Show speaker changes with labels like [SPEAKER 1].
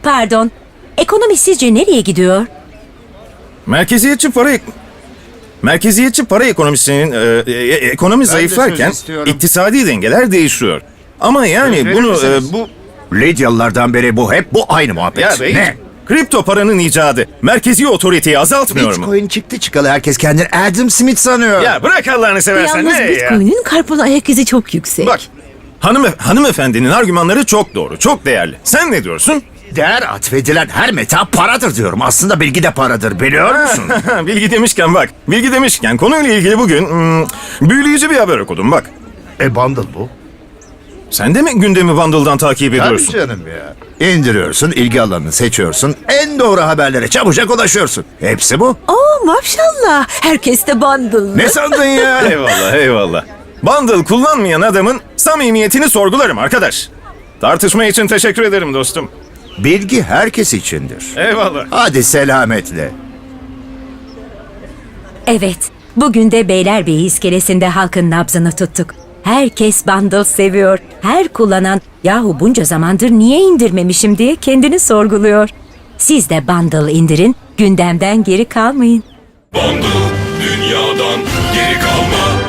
[SPEAKER 1] Pardon. Ekonomi sizce nereye gidiyor?
[SPEAKER 2] Merkeziyetçi para ekonomisinin ekonomi zayıflarken
[SPEAKER 3] söz istiyorum.
[SPEAKER 2] iktisadi dengeler değişiyor. Ama yani
[SPEAKER 3] Söz verir
[SPEAKER 2] bunu
[SPEAKER 3] misiniz?
[SPEAKER 2] bu
[SPEAKER 4] Lidyalılardan beri bu hep bu aynı muhabbet.
[SPEAKER 2] ya bey,
[SPEAKER 4] Ne?
[SPEAKER 2] kripto paranın icadı merkezi otoriteyi azaltmıyor mu?
[SPEAKER 4] Bitcoin çıktı çıkalı herkes kendini Adam Smith sanıyor.
[SPEAKER 2] Ya bırak Allah'ını seversen
[SPEAKER 1] Yalnız
[SPEAKER 2] ne ya?
[SPEAKER 1] Bitcoin'in karbon ayak izi çok yüksek.
[SPEAKER 2] Bak hanımefendinin argümanları çok doğru, çok değerli. Sen ne diyorsun?
[SPEAKER 4] Değer atfedilen her meta paradır diyorum. Aslında bilgi de paradır biliyor musun?
[SPEAKER 2] Bilgi demişken konuyla ilgili bugün büyüleyici bir haber okudum bak.
[SPEAKER 4] Bundle bu.
[SPEAKER 2] Sen de mi gündemi Bundle'dan takip
[SPEAKER 4] Tabii
[SPEAKER 2] ediyorsun?
[SPEAKER 4] canım ya. İndiriyorsun, ilgi alanını seçiyorsun, en doğru haberlere çabucak ulaşıyorsun. Hepsi bu.
[SPEAKER 1] Oo maşallah. Herkes de bundle.
[SPEAKER 4] Ne sandın ya?
[SPEAKER 2] Eyvallah. Bundle kullanmayan adamın samimiyetini sorgularım arkadaş. Tartışma için teşekkür ederim dostum.
[SPEAKER 4] Bilgi herkes içindir.
[SPEAKER 2] Eyvallah.
[SPEAKER 4] Hadi selametle.
[SPEAKER 1] Evet. Bugün de Beylerbeyi iskelesinde halkın nabzını tuttuk. Herkes bundle seviyor. Her kullanan yahu bunca zamandır niye indirmemişim diye kendini sorguluyor. Siz de bundle indirin, gündemden geri kalmayın.
[SPEAKER 5] Bundle dünyadan geri kalma.